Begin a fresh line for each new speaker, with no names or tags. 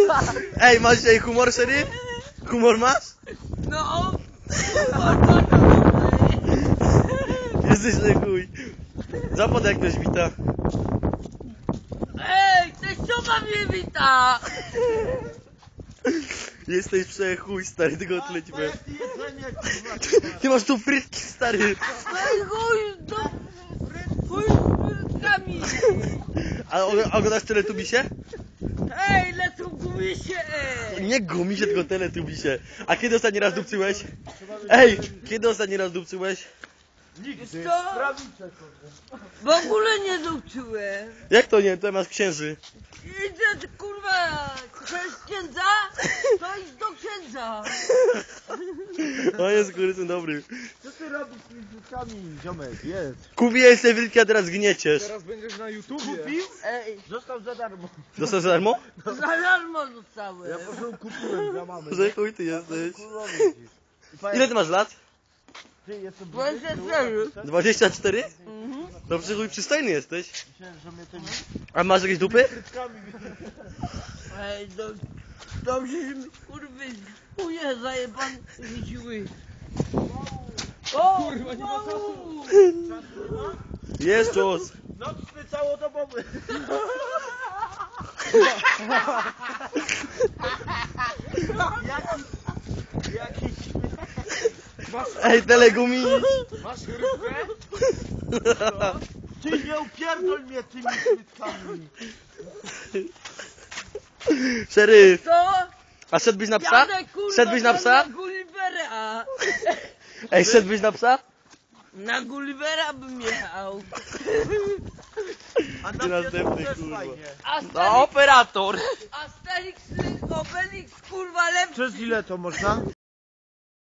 Ej, masz dzisiaj humor, szeryf? Humor masz?
No.
Jesteś chuj. Zapad jak ktoś wita.
Ej, teściowa mnie wita.
Jesteś przechuj, stary, tego odlecimy. Ty masz tu frytki, stary.
Ej, chuj z frytkami.
A oglądasz Teletubisie?
Ej, lecą gumisie, ej.
Nie gumisie, tylko Teletubisie. A kiedy ostatni raz dupcyłeś? Ej, kiedy ostatni raz dupcyłeś?
Nigdy. Co? W ogóle nie dupczyłem.
Jak to nie? To masz księży.
Idę, kurwa, chcesz księdza? To idź do księdza.
O jest kurysem dobry.
Co ty robisz z tymi frytkami, ziomek? Jest.
Kupiłeś te frytki, a teraz gnieciesz.
Teraz będziesz na YouTubie. Kupił?
Ej,
Został za darmo.
Dostałeś za darmo?
za darmo dostałem.
Ja po prostu kupiłem dla mamy.
Że chuj ty jesteś.
Kurwa, widzisz.
Ile ty masz lat?
Ty jestem
24.
24?
Mhm.
No przychuj przystojny jesteś.
Myślałem, że mnie tymi
A masz jakieś dupy?
frytkami...
Ej, dobrze, że mi kurwy chuje zajeban rzuciły. O, kurwa, nie ma czasu.
Jest czas.
Nocny całodobowy. Jakiś...
Ej, telegumiś.
Masz chrypkę? Ty nie upierdol mnie tymi frytkami.
Szeryf.
Co?
A szedłbyś na psa?
Jadę, kurwa,
Szedłbyś na psa?
Na Gullivera.
Ej, szedłbyś na psa?
Na Gullivera bym jechał.
A
Ty
na
następny,
piesku też
kurwa.
fajnie.
No, operator.
Asterix, Obelix, kurwa, lepszy.
Przez ile to można?